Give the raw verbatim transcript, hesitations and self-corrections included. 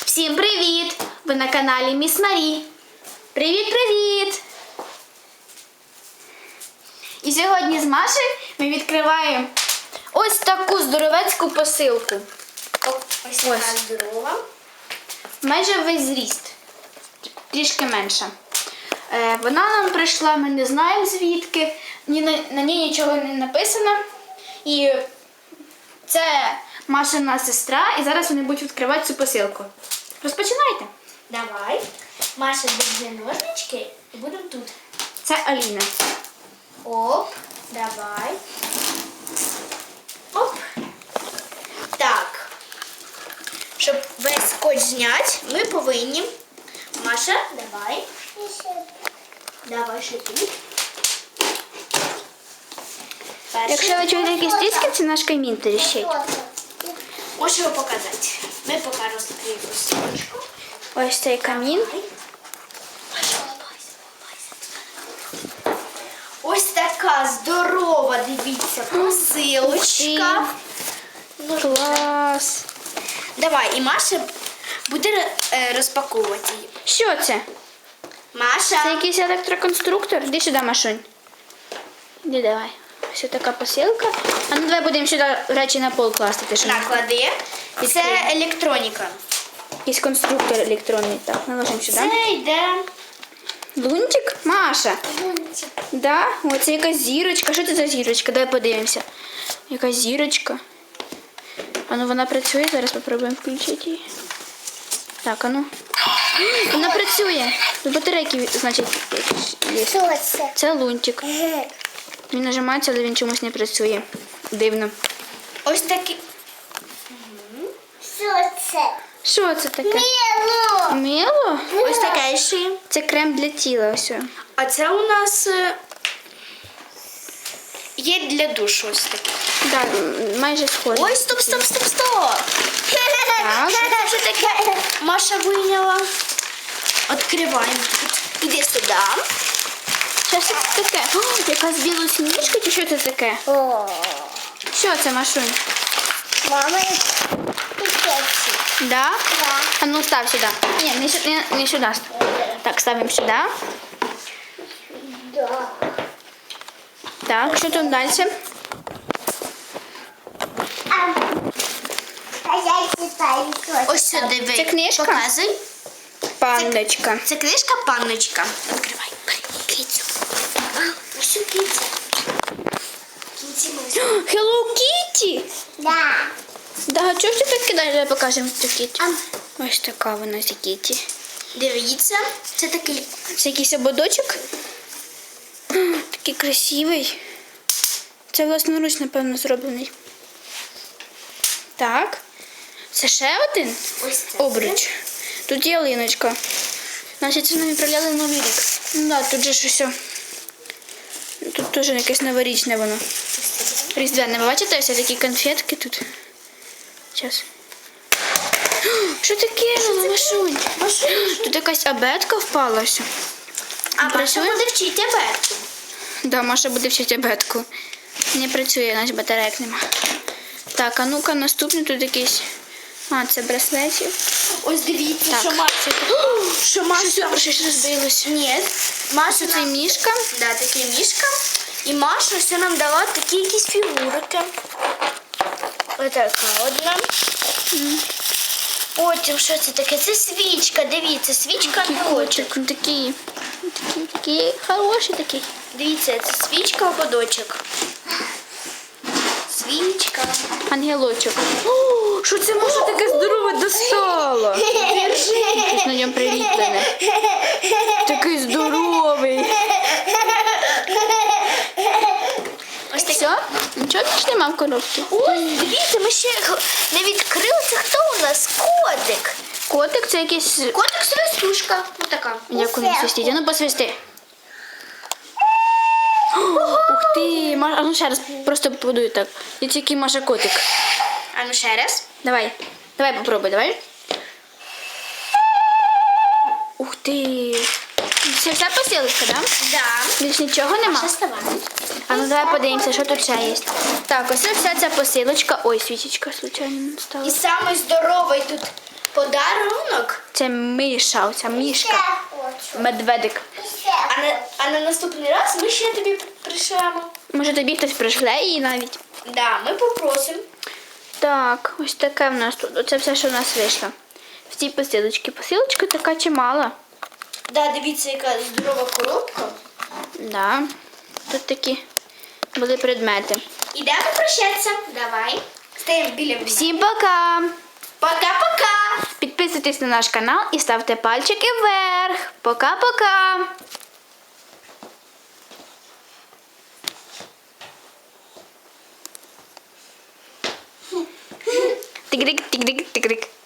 Всім привіт! Ви на каналі Міс Марі. Привіт-привіт! І сьогодні з Машею ми відкриваємо ось таку здоровецьку посилку. Ось така здорова. Майже весь зріст. Трішки менша. Е, вона нам прийшла, ми не знаємо звідки, ні на, на ній нічого не написано. І це Машина сестра, і зараз вони будуть відкривати цю посилку. Розпочинайте. Давай. Маша держи ножнички і будемо тут. Це Аліна. Оп, давай. Оп. Так. Щоб весь скотч зняти, ми повинні. Маша, давай. Давай ще тут. Перший. Якщо ви чуєте якісь тріски, це наш камін тріщить. Можу його показати. Ми поки розкриємо посилочку. Ось цей камін. Ось така здорова, дивіться, посилочка. Ну, Клас. давай, і Маша буде е, розпаковувати її. Що це? Маша. Це якийсь електроконструктор? Іди сюди, Машунь. Іди давай. Ось така посилка. А ну давай будемо сюди речі на пол класти. Ти що? Наклади. Це електроніка. Якийсь конструктор електронний. Так, наложимо сюди. Це йде. Лунтик? Маша. Да? О, це якась зірочка. Що це за зірочка? Давай подивимося. Якась зірочка. А ну вона працює, зараз спробуємо включити її. Так, а ну. Вона працює. Тут батарейки, значить, є. Що це? Це лунтик. Він нажимається, але він чомусь не працює. Дивно. Ось такий. Що це? Що це таке? Міло! Мило? Ось таке ще. Це крем для тіла. Ось. А це у нас е, є для душу ось таке. Да, м, майже схоже. Ой, стоп, стоп, стоп, стоп. Так. Що це вже таке? Маша вийняла. Відкриваємо тут. Іди сюди. Що це таке? О, якась білосніжка чи що це таке? О, Що це, Машунь? мама пікеці. Да? Да. А ну став сюди. Ні, не, сю- не, не сюди. Так, ставимо сюди. Да. Так, що тут далі? А, а я читаю, що це. Ось сюди ви. Це книжка? Показуй. Пандочка. Це книжка панночка. Відкривай. Кицю. Ось у киця. Кінці ми. Hello Kitty! Да. Да, чого ж ти так кидаєш? Давай покажемо цю Kitty. А. Ось така вона ця Kitty. Дивіться. Це такий. Це якийсь ободочок. Такий красивий. Це власноруч, напевно, зроблений. Так. Це ще один Ось це. обруч. Тут є ялиночка. Значить, це нам відправляли Новий рік. Ну да, тут же ж усе. Тут теж якесь новорічне воно. Різдвяне. Ви бачите, ось такі конфетки тут. Зараз. Що таке? Машунь? Тут якась абетка впала. Ось. А Маша Працює? буде вчити абетку. Да, Маша буде вчити абетку. Не працює, наш батарейок нема. Так, а ну-ка, наступний тут якийсь. А, це браслетів. Ось дивіться, Так. що Маша. Що Маша. Щось розбилося. Ні. Маша Це мішка. Да, такий мішка. І Маша все нам дала такі якісь фігурки. Ось така одна. Потім, що це таке? Це свічка, дивіться, свічка ободочок. Котик, він такий, такий, такий хороший такий. Дивіться, це свічка ободочок. Свічка. Ангелочок. О, що це Маша таке здорове достала? Щось на ньому приліплене. Такий здоровий. Ось таке. Все? Нічого більше нема в коробці? Ой, дивіться, ми ще г- не відкрили. Це хто у нас? Котик. Котик це якийсь... Котик свистушка. Ось така. Як воно свистить? А ну посвисти. Ух ти, Маша, а ну ще раз просто подуй так. І тільки Маша котик. А ну ще раз. Давай, давай попробуй, давай. Ух ти. Це вся посилочка, да? Да. Більш нічого нема? Ще вставай. А ну давай подивимося, що тут ще є. Так, ось це вся ця посилочка. Ой, свічечка, случайно не І стала. самий здоровий тут подарунок. Це Миша, оця мішка. Я хочу. Медведик. Ще А на, а на наступний раз ми ще тобі пришлемо. Може тобі хтось пришле її навіть. Да, ми попросимо. Так, ось таке в нас тут. Оце все, що в нас вийшло. В цій посилочці. Посилочка така чимала. Да, дивіться, яка здорова коробка. Да. Тут такі були предмети. Ідемо прощатися. Давай. Стаємо біля мене. Всім пока! Пока-пока! Підписуйтесь на наш канал і ставте пальчики вверх. Пока-пока! Тигрик, тигрик, тигрик.